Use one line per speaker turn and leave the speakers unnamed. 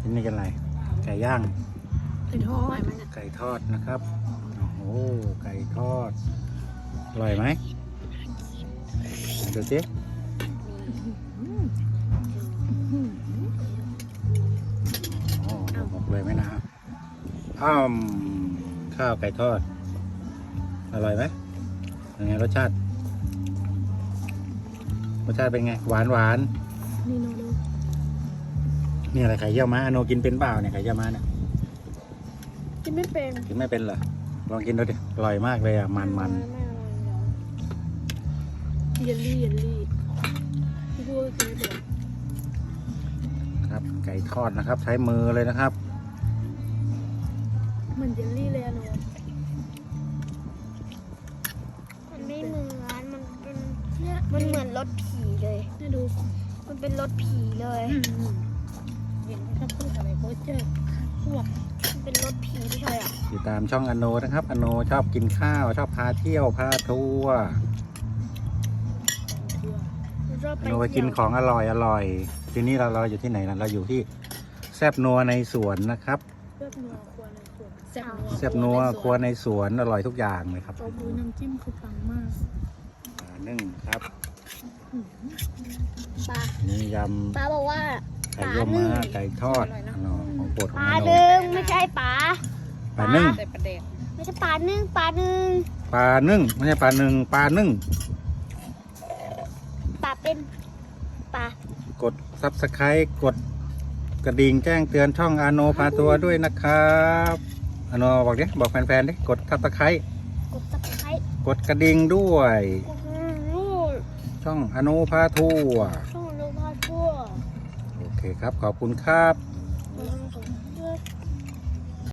ที่นี่กันอะไรไก่ย่าง
ไก่ทอด
ไก่ทอดนะครับโอ้โหไก่ทอดอร่อยไหมดูสิโอ้หมกเลยไหมนะข้าวไก่ทอดอร่อยไหมยังไงรสชาติเป็นไงหวาน
นี่โนดู
นี่อะไรไข่เยี่ยวม้าอโนกินเป็นเปล่าเนี่ยไข่เยี่ยวม้าเนี่ย
กินไม่เป็น
กินไม่เป็นเหรอลองกินดูดิอร่อยมากเลยอ่ะมัน
ไม่อร่อยเดี๋ยวเยลลี่พี่พูดกินไม่เป็น
ครับไก่ทอดนะครับใช้มือเลยนะครับ
เหมือนเยลลี่เลยอะโน
มันไม่เหมือนมันเหมือนรถผีเลย
นี่ดู
มันเป็นรถผีเลย
เห็นไหมครับพูดอะไรโคเจอร์พวก
มันเป็นรถผีไม่ใช่อ่ะ
ติดตามช่องอโนนะครับอโนชอบกินข้าวชอบพาเที่ยวพาทัวร์
เชื่อ
มันชอบ
อ
ไป
โนไปกินของอร่อยทีนี้เราอยู่ที่ไหนนะเราอยู่ที่แซบนัวในสวนนะครับ
เลือดนัวครัวในสวนแซ่บ
แซบนัวครัวในสวนอร่อยทุกอย่างเลยครับ
ตัวบูน้ำจิ้มคือปังมาก
นึ่งครับ
ปลา
นี่ย
ปลาบอกว่า
ำไก่เยี่ยวม้าไก่ทอดอโนของโปรดข
ป
อง
ลา
อโน
หนึ่งไม่ใช่ปลา
ปลานึ่ง
แต่ประเด็น
ไม่ใช่ปลาหนึ่งปลาหนึ่ง
ปลานึ่งไม่ใช่ปลาหนึ่งปลานึ่ง
ปลาเป็นปลาก
ดซับสไครต์กดกระดิ่งแจ้งเตือนช่องอโนพาตัวด้วยนะครับอโนบอกดิบอกแฟนๆดิกดซับสไครต์
กดซับสไครต์
กดกระดิ่งด้วย
กดรูด
ช่องอโนพาทัวร์
ช่องโลมาทั่ว
โอเคครับขอบคุณครับ